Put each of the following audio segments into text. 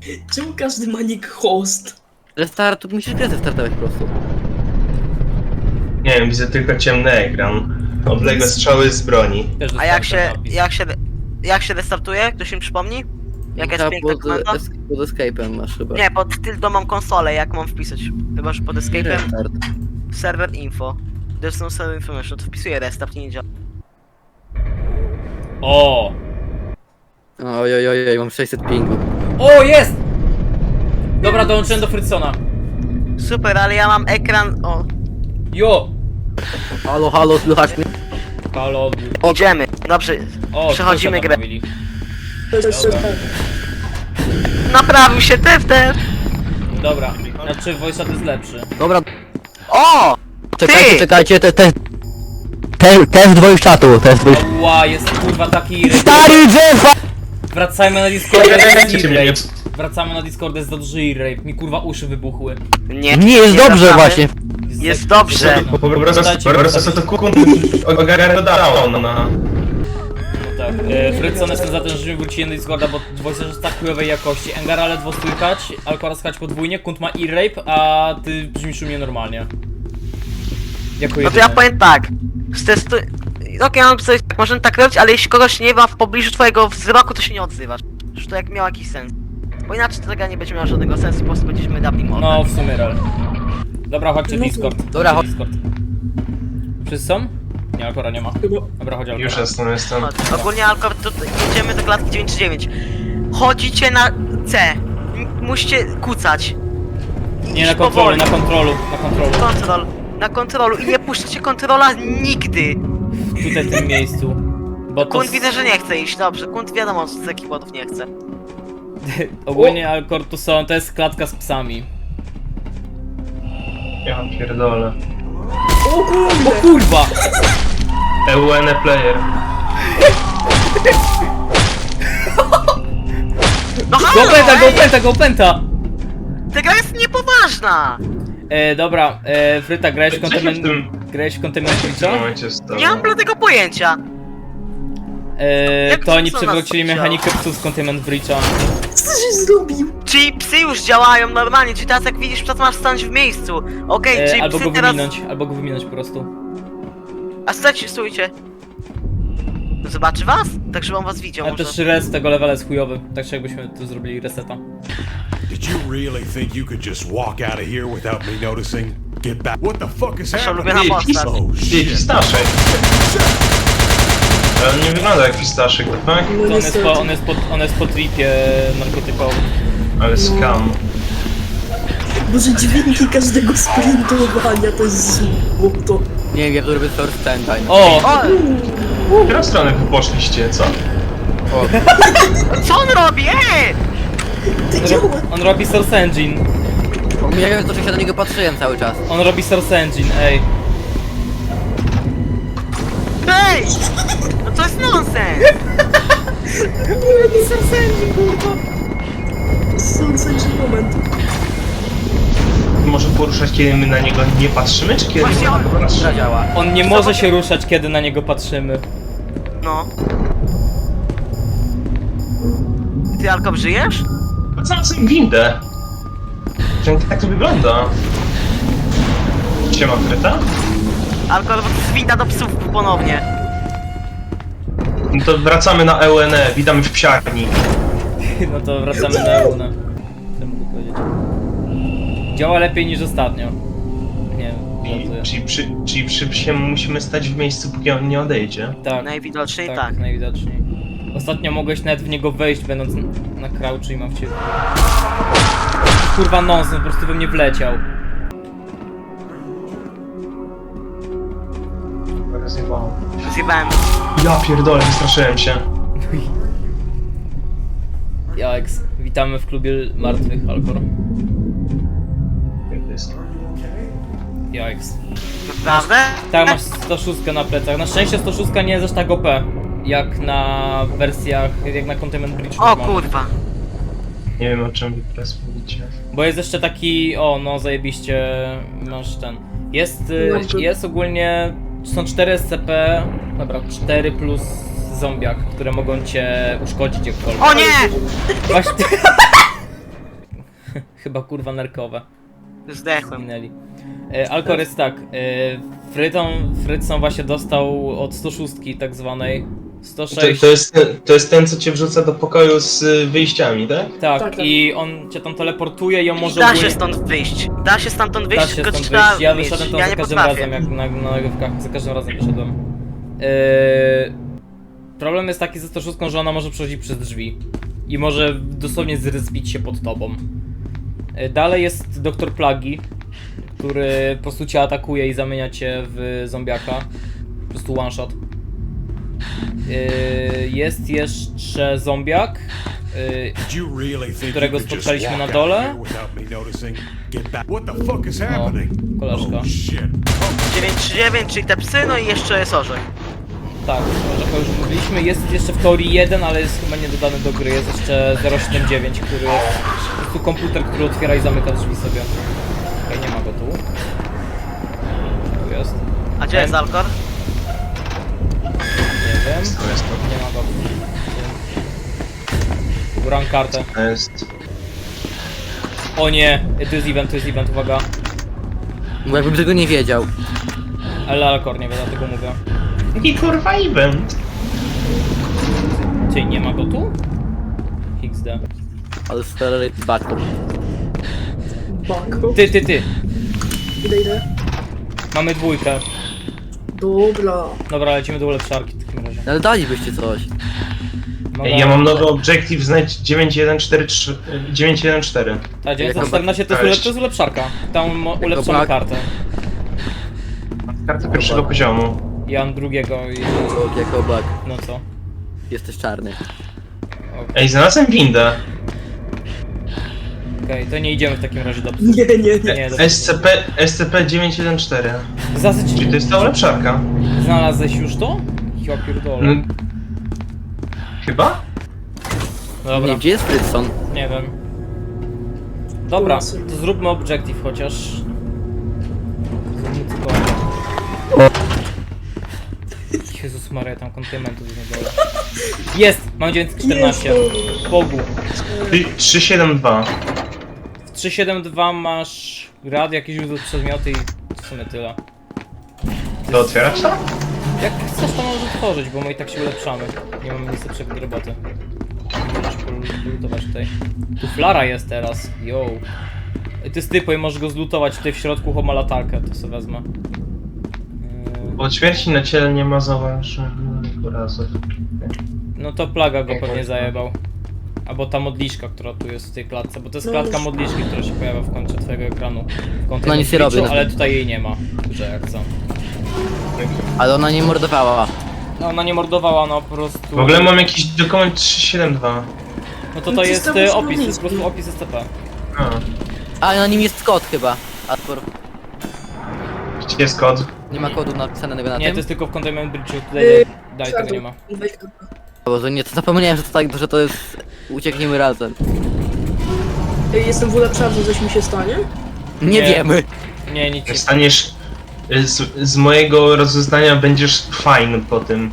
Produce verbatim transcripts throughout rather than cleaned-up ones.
Czemu każdy ma nick host? Restart, musisz grę zestartować po prostu. Nie wiem, widzę tylko ciemny ekran. Odległe strzały z broni. Też A jak dostałem się, ten napis. jak się, jak się restartuje? Ktoś mi przypomni? Jaka jest Chyba piękna pod, komenda? es, pod escape'em masz chyba. Nie, pod tyldą mam konsolę, jak mam wpisać? Chyba, że pod escape'em. Restart. Server info. There's no server information, to wpisuję restart i nie działa. O! Oj, oj, oj, oj, mam sześćset pingu. O, jest! Dobra, dołączyłem do Fritzona. Super, ale ja mam ekran. O, Jo! Halo, halo, słychać mnie? Halo. idziemy. Dobrze, O, przechodzimy co tam grę. mówili? Dobra. Naprawił się T F T. Dobra, znaczy voice chat jest lepszy. Dobra, O! czekajcie, Ty! czekajcie, te, te, te, test dwoich czatu, test dwoich... Ła, jest kurwa taki... Stary drzewa! Wracajmy na Discordę, jest Cię mnie e nie... rape. Wracamy na Discordę, jest za duży e-rape. Mi kurwa uszy wybuchły. Nie, Nie, jest dobrze wracamy. właśnie. Jest za- dobrze. No, Po po prostu, Dajcie- po prostu to kukun ogarnę down, no. No tak. E, Fritzon, jestem za tym, żebyśmy wrócili na Discorda, bo voice chat jest tak chujowej jakości. Engara ledwo słychać, Alkora słychać podwójnie, Kunt ma e-rape, a ty brzmisz u mnie normalnie. Jako No to jedyny. ja powiem tak. Stestuj. Okej, mam coś, tak, możemy tak robić, ale jeśli kogoś nie ma w pobliżu twojego wzroku, to się nie odzywasz. Już to jak miał jakiś sens. Bo inaczej ta gra nie będzie miała żadnego sensu, po prostu będziemy dawni mordę. No, w sumie real. Dobra, chodźcie No to- Discord. Dobra, chodźcie Discord. Wszyscy są? Nie, Alkora nie ma. Chyba. Dobra, chodź Alkora. Już jestem, jestem. Chodź. Ogólnie Alkor, tutaj jedziemy do klatki dziewięć dziewięć. Chodzicie na C. M- Musicie kucać. I Nie, iść na kontrolu, powoli. na kontrolu, na kontrolu. Kontrol. Na kontrolu i nie puszczacie kontrola nigdy. Tutaj w tym miejscu. Bo to... Kunt widzę, że nie chce iść, dobrze. Kunt wiadomo, z jakich powodów nie chce. Ogólnie Alkor to są, to jest klatka z psami. Ja pierdolę. O kurde! O kurwa! E U N player. No halo, Go pęta, go ej! pęta, go pęta! Ta gra jest niepoważna! E, dobra, e, Fryta, grałeś w Co się w Containment... tym Grałeś w Containment w tym Breacha? momencie stało? Nie mam bladego pojęcia. E, Jak to oni co nas przywrócili chciało? mechanikę psów z Containment Breacha. Co żeś zrobił? Czyli psy już działają normalnie, czyli teraz jak widzisz, przed masz stanąć w miejscu. Okej, E, czyli albo psy go teraz... wyminąć, albo go wyminąć po prostu. A stójcie, stójcie. Zobaczy was? Tak, żeby on was widział Ale może. też res tego levela jest chujowy, tak czy jakbyśmy tu zrobili reseta. Did you really think you could just walk out of here without me noticing? Get back. What the fuck is Nasza happening? ulubiona postać. Oh Ty, shit. pistaszek. Ale on nie wygląda jak pistaszek, tak? No To on jest niestety. po, on jest po, on jest po tripie narkotykowym. Ale scam. Boże, dźwięki każdego sprintowania to jest złoto. Nie wiem, jak to robię first time. O! O! W którą stronę wy poszliście, co? Co on robi? Ej! Ty On, działa! ro on robi Source Engine. Pomijając to, że się na niego patrzyłem cały czas. On robi Source Engine, ej. Ej! No to jest nonsens! Sądzę, moment. Może poruszać, kiedy my na niego nie patrzymy, czy kiedy Właśnie my na on- niego patrzymy? Gra działa. On nie może się ruszać, kiedy na niego patrzymy. No. Ty, Alko, żyjesz? Sam sobie windę. Że tak to wygląda. Siema, Kryta? Alko, bo to jest winda do psów ponownie. No to wracamy na E U N E, witamy w psiarni. No to wracamy na Euna. Co mogę powiedzieć? Działa lepiej niż ostatnio. Nie wiem, I, żartuję. czyli przy, czyli przy psie musimy stać w miejscu, póki on nie odejdzie. Tak, Najwidoczniej tak, tak. najwidoczniej. Ostatnio mogłeś nawet w niego wejść, będąc n- na crouchu i mam w ciebie. Kurwa nonsens, po prostu we mnie wleciał. Rozjebało. Zjebałem. Ja pierdolę, wystraszyłem się. Jaks, witamy w klubie martwych, Alkor. Jak to jest? Jaks. Naprawdę? Tak, masz sto sześć na plecach. Na szczęście sto sześć nie jest aż tak O P. Jak na wersjach, jak na Containment Breach. O normalnie. kurwa. Nie wiem, o czym wy teraz mówicie. Bo jest jeszcze taki, o no zajebiście, masz ten. Jest, y, Dobrze. jest ogólnie, są cztery S C P, dobra, cztery plus zombiak, które mogą cię uszkodzić jakkolwiek. O nie! Właśnie, chyba kurwa nerkowe. Zdechłem. Zginęli. E, Alkor jest tak, e, Fryton, Frytson właśnie dostał od sto szóstki tak zwanej. sto To, sześć. to, jest ten, to jest ten, co cię wrzuca do pokoju z y, wyjściami, tak? Tak, Tak, tak. i on cię tam teleportuje i on I może da ogólnie- się stąd wyjść. Da się stamtąd wyjść, Da się tylko stąd trzeba wyjść. Ja mieć. wyszedłem tam Ja za nie każdym potrafię. razem, jak na, na nagrywkach, za każdym razem wyszedłem. Yy, problem jest taki ze sto szóstką, że ona może przechodzić przez drzwi. I może dosłownie zryzbić się pod tobą. Yy, dalej jest doktor Plagi, który po prostu cię atakuje i zamienia cię w zombiaka. Po prostu one shot. Yy, jest jeszcze zombiak. Yy, Did you really think którego you could just spotkaliśmy walk na out dole? here without me noticing? Get back. What the fuck is happening? koleżka. Oh shit. dziewięć trzy dziewięć, czyli te psy, no i jeszcze jest orzech. Tak, trochę już mówiliśmy, jest jeszcze w teorii jeden, ale jest chyba nie dodany do gry, jest jeszcze zero siedem dziewięć, który jest po prostu komputer, który otwiera i zamyka drzwi sobie. Okej, nie ma go tu. Tu jest. A gdzie jest Alkor? Nie wiem. To jest Nie ma go. Gram kartę. to. Jest. O nie, tu jest event, tu jest event, uwaga. Bo jakbym tego nie wiedział. Ale Alkor nie wie, dlatego mówię. Jaki kurwa event? Czyli nie ma go tu? X D. Ale stary backup. Bako. Ty, ty, ty. Idę, idę. Mamy dwójkę. Dobra. Dobra, lecimy do ulepszarki w takim razie. Ale dalibyście coś. Mamy- Ej, ja mam nowy objective, znajdź dziewięć jeden cztery trzy, dziewięć jeden cztery. Ta dziewięćset Jako czternaście to jest, bak- ulep, to jest ulepszarka. Tam mo- ulepszamy bak- kartę. Karta pierwszego poziomu. Ja mam drugiego i... O, jako bug. no co? Jesteś czarny. Ej, znalazłem windę. Okej, to nie idziemy w takim razie do psów. Nie, nie, nie. Nie, dobra. S C P, S C P dziewięć jeden cztery. Zasyć... Czyli to jest ta ulepszarka. Znalazłeś już to? Ja pierdolę. No, chyba? No dobra, Nie, gdzie jest Frytson? nie wiem. Dobra, Lasy. to zróbmy objective chociaż. Zróbmy tylko... Jezus Maria, tam kontymentów jest na dole. Jest! Mam dziewięćset czternaście. Jest, Bogu. trzysta siedemdziesiąt dwa. W trzysta siedemdziesiąt dwa masz rad, jakieś źródło przedmioty i w sumie tyle. To otwierać to? Jak chcesz, to możesz otworzyć, bo my i tak się ulepszamy. Nie mamy nic lepszego do roboty. Możesz pol- polutować tutaj. Tu flara jest teraz, yo. Ej, to jest typo i możesz go zlutować tutaj w środku, chłop ma latarkę, to sobie wezmę. Yy, Od śmierci na ciele nie ma zauważonych urazów. No to plaga go pewnie zajebał. Albo ta modliszka, która tu jest w tej klatce, bo to jest No klatka już. modliszki, która się pojawia w końcu twojego ekranu. W No nic nie robię, no. ale tutaj jej nie ma, że jak co. Ale ona nie mordowała. No ona nie mordowała, no po prostu... W ogóle mam jakiś dokument trzysta siedemdziesiąt dwa. No to No to to jest jest e, tam opis, to jest po niski. prostu opis S C P. A, A na nim jest kod chyba. Alkor. gdzie jest kod? Nie ma kodu napisanego na Nie, tym? to jest tylko w Containment Bridge'u, Yy, tutaj dalej tego Czarno. nie ma. Weź kartę. Boże, nie, to zapomniałem, że to tak, że to jest... Uciekniemy razem. Ej, Jestem w ulepszarce, coś mi się stanie? Nie, Nie. wiemy. Nie, nic Jak się... staniesz... y, Z, z mojego rozeznania będziesz fajny po tym.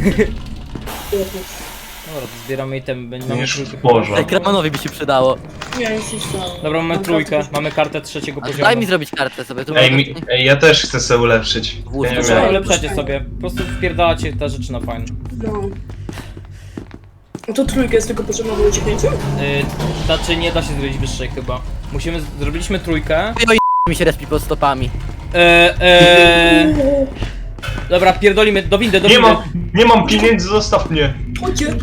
Dobra, to zbieramy item, będzie mamy Będziesz trójkę w chyba. porze. Ej, Kramanowi by się przydało. Nie, nic nie stało. Dobra, mamy Mam trójkę, kartę. mamy kartę trzeciego A poziomu. daj mi zrobić kartę sobie. Tu Ej, mogę- mi, ej, ja też chcę sobie ulepszyć. Włóż Ja to nie Trzeba wiem. Ej, ulepszacie puszczaj. sobie, po prostu wpierdalacie te rzeczy na fajne. No. No to trójka jest tylko potrzebna do ucieknięcia? Yy, znaczy nie da się zrobić wyższej chyba. Musimy, zrobiliśmy trójkę. mi się respi pod stopami. Eee, eee, dobra, pierdolimy, do windy, do Nie windy. mam, nie mam pieniędzy, zostaw mnie! Chodźcie!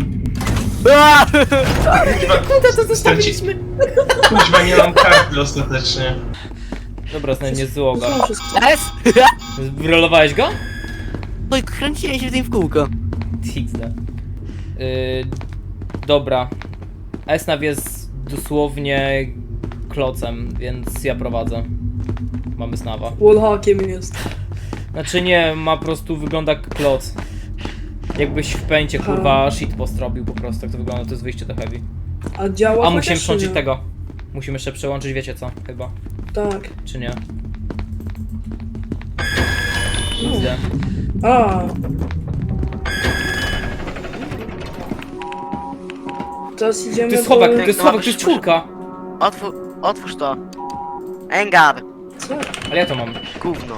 Kurde, to zostawiliśmy! Kuźwa, nie mam karty ostatecznie. Dobra, znajdę nie złoga. Znam wszystko. S! Wyrolowałeś go? No i kręciłem się w tym w kółko. X D. Yy, dobra. Esnaw jest dosłownie klocem, więc ja prowadzę. Mamy Snawa. Wallhackiem jest. Znaczy nie, ma po prostu, wygląda jak kloc. Jakbyś w pęcie, kurwa, shitpost robił po prostu, jak to wygląda, to jest wyjście do heavy. A działa A chociaż, musimy czy przełączyć nie? tego. Musimy jeszcze przełączyć, wiecie co, chyba. Tak. Czy nie? No. X D. A. Teraz idziemy To jest schowek, do... to jest schowek, to jest czwórka. Otwór, otwórz to. Engar. Co? Ale ja to mam. Gówno.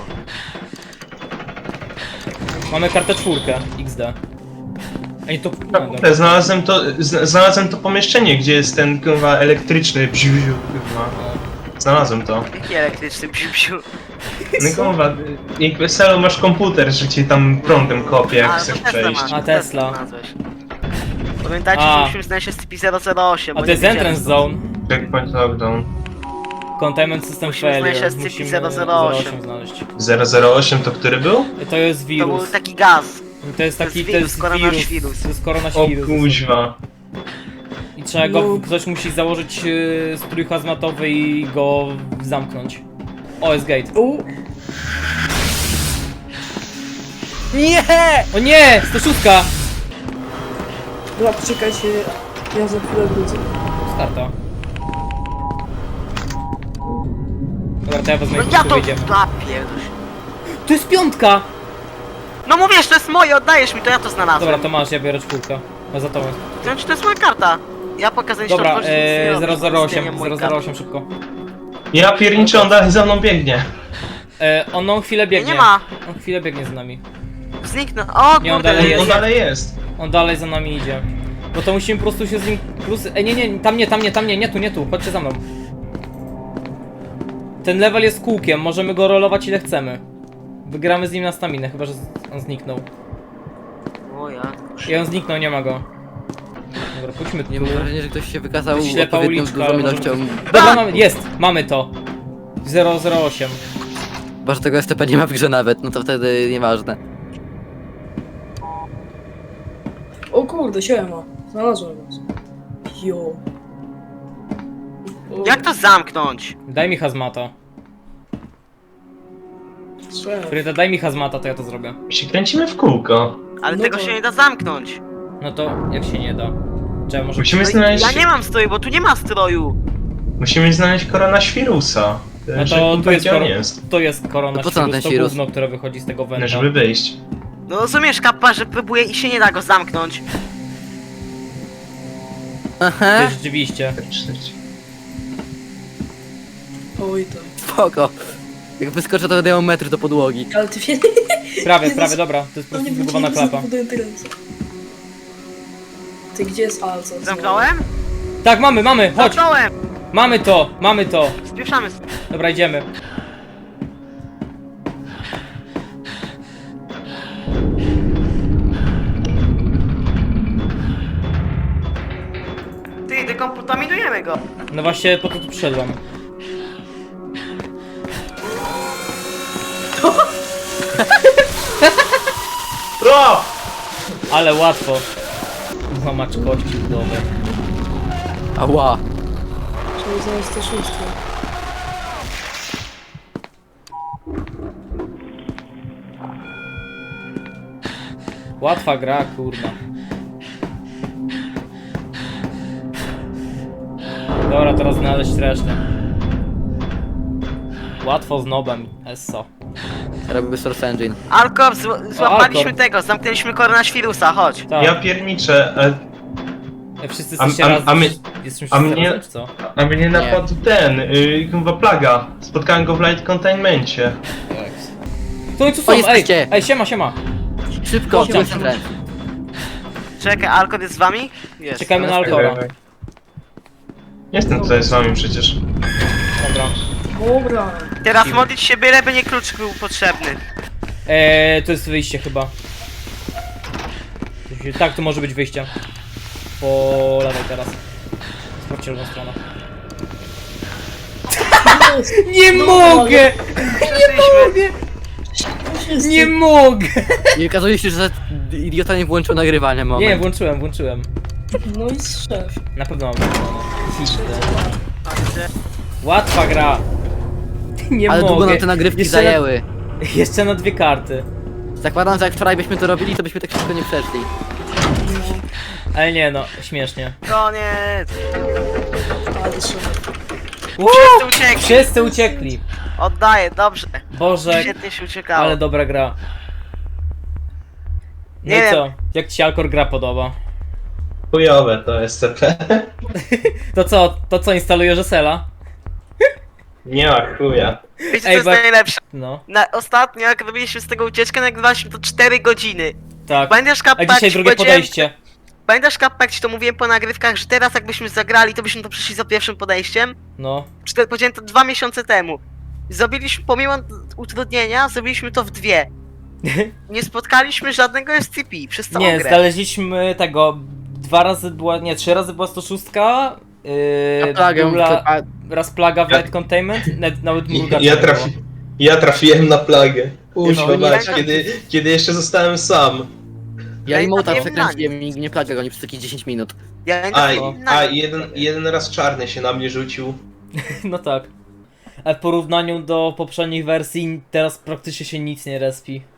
Mamy kartę czwórkę, X D. Ej, to... No, dobra. Kurde, znalazłem to, zna- znalazłem to pomieszczenie, gdzie jest ten kurwa elektryczny bziu, bziu, kurwa. Znalazłem to. Jaki elektryczny bziu. No kurwa, jak weselu masz komputer, że ci tam prądem kopie, jak A, chcesz to Tesla przejść. masz, A, to Tesla. znalazłeś. Pamiętajcie, A. że musimy znaleźć S C P zero zero osiem. A bo to jest nie widziałem entrance stąd. zone. Checkpoint lockdown. Containment system Musimy failure. znaleźć S C P Musimy zero zero osiem. znaleźć. zero zero osiem to który był? To jest To wirus. był taki gaz. To jest taki, to to jest jest wirus, wirus. koronawirus. To jest O koronawirus. kuźwa. I trzeba go, No. ktoś musi założyć yy, strój hazmatowy i go zamknąć. O, jest gate. U, Nie! O nie! sto sześć! dobra, poczekajcie, ja za chwilę wrócę. Starta. Dobra, to ja wezmę No i ja tu to... wyjdziemy. A, pierdolę. To jest piątka! No mówisz, to jest moje, oddajesz mi, to ja to znalazłem. Dobra, to masz, ja biorę czwórkę. No za to. To znaczy, to jest moja karta. Ja pokazuję ci to Dobra, otworzyć, nic nie e, robisz, zero zero to osiem, jest zero zero osiem szybko. Ja pierniczę, on dalej za mną biegnie. E, on on chwilę biegnie. Nie ma. On chwilę biegnie za nami. Zniknął. O, Nie, on kurde, dalej On, jest. on dalej jest. On dalej za nami idzie. Bo to musimy po prostu się z nim... Plus... Ej, nie, nie, tam nie, tam nie, tam nie, nie tu, nie tu, chodźcie za mną. Ten level jest kółkiem, możemy go rolować ile chcemy. Wygramy z nim na staminę, chyba że z- on zniknął. O ja. I on zniknął, nie ma go. Dobra, pójdźmy tu. Nie mam wrażenia, że ktoś się wykazał Ślepa odpowiednią uliczka, dużą ale ilością. możemy- Dobra, mamy, jest, mamy to. zero zero osiem. Chyba, że tego S T P nie ma w grze nawet, no to wtedy nieważne. O kurde, siema. Znalazłem was. Jo. O, Jak to zamknąć? Daj mi hazmata. Słyszałem. Fryta, daj mi hazmata, to ja to zrobię. My się kręcimy w kółko. Ale No tego to- się nie da zamknąć. No to jak się nie da? Trzeba może... Musimy No i znaleźć, ja nie mam stroju, bo tu nie ma stroju. musimy znaleźć koronawirusa. No Że to tu jest, gdzie on kor... jest. to jest korona To po co nam świrus, ten to świrus? gówno, które wychodzi z tego No, węża. żeby wyjść. No rozumiesz, kappa, że próbuje i się nie da go zamknąć. To Aha, jest rzeczywiście. Oj tam. spoko. Jak wyskoczę, to będę miał metr do podłogi. Ale ty wie... Prawie, Jezus. prawie, dobra. To jest po No nie prostu zbugowana wrócili klapa. do ręce. Ty gdzie jest Alco? Zamknąłem? Tak, mamy, mamy, chodź! Zamknąłem! Mamy to, mamy to. Spieszamy. Dobra, idziemy. Ty, dekontaminujemy go. No właśnie, po to tu przyszedłem. O! Ale łatwo. Złamacz kości udowe. Ała. Trzeba znaleźć to szóstkę. Łatwa gra, kurna. Dobra, teraz znaleźć resztę. Łatwo z nobem, esso. Robię Source Engine. Alkor, zł- złapaliśmy Alkor. tego, zamknęliśmy koronawirusa, chodź. Tak, Ja pierniczę, a, e, wszyscy a- jesteście a- razem. a my- Jesteśmy a wszyscy mnie- razem, czy co? a mnie napadł ten, y, chyba plaga. Spotkałem go w light containmencie. To i co są? O, Ej, jesteście. ej, siema, siema. Szybko, Chodź, siłę tam. centralną. Czekaj, Alkor jest z wami? Jest. Czekajmy na No, Alkora. Jestem tutaj z wami przecież. Dobra. Dobra. Teraz modlić się byle, by nie klucz był potrzebny. Eee, to jest wyjście chyba. To się- Tak, to może być wyjście. Po lewej teraz. Sprawdźcie lewą stronę. Nie mogę! Przeszliśmy. Wszyscy. Nie mogę! I okazuje się, że idiota nie włączył nagrywania, moment. Nie, włączyłem, włączyłem. No i szef. Na pewno mam włączone. Łatwa gra. Nie Ale mogę. długo nam te nagrywki Jeszcze zajęły. Na, jeszcze na dwie karty. Zakładam, że jak wczoraj byśmy to robili, to byśmy tak szybko nie przeszli. Ale nie no, śmiesznie. Koniec. Ale szef. Wszyscy uciekli. Wszyscy uciekli. Oddaję, dobrze. Boże, Świetnie się uciekało. ale dobra gra. No Nie i wiem. co? Jak ci się Alkor gra podoba? Chujowe to S C P. To co, to co instalujesz Esela? Nie ma chuja. Wiecie, co Ej, jest bo- najlepsze? No, Na, ostatnio, jak robiliśmy z tego ucieczkę, nagrywaliśmy to cztery godziny. tak. Pamiętasz, A Kappa, dzisiaj jak ci drugie powiedziałem- podejście. Pamiętasz, Kappa, jak ci to mówiłem po nagrywkach, że teraz jakbyśmy zagrali, to byśmy to przeszli za pierwszym podejściem? No. Cztery, powiedziałem to dwa miesiące temu. Zrobiliśmy, pomimo utrudnienia, zrobiliśmy to w dwie. Nie spotkaliśmy żadnego S C P przez całą Nie, grę. znaleźliśmy tego. Dwa razy była. Nie, trzy razy była sto sześć. Yy, Na plagę, była klepa- raz plaga w Ja- Light Containment, nawet, nawet Ja, mrugacza ja, nie trafi, było. ja trafiłem na plagę. Użwa No, nie mać, tak. kiedy, kiedy jeszcze zostałem sam. Ja Ja im mota trafiłem na przekręciłem i nie plaga goni przez jakieś dziesięć minut. Ja nie A, trafiłem i- na a nic. jeden, jeden raz czarny się na mnie rzucił. No tak. A w porównaniu do poprzednich wersji teraz praktycznie się nic nie respi.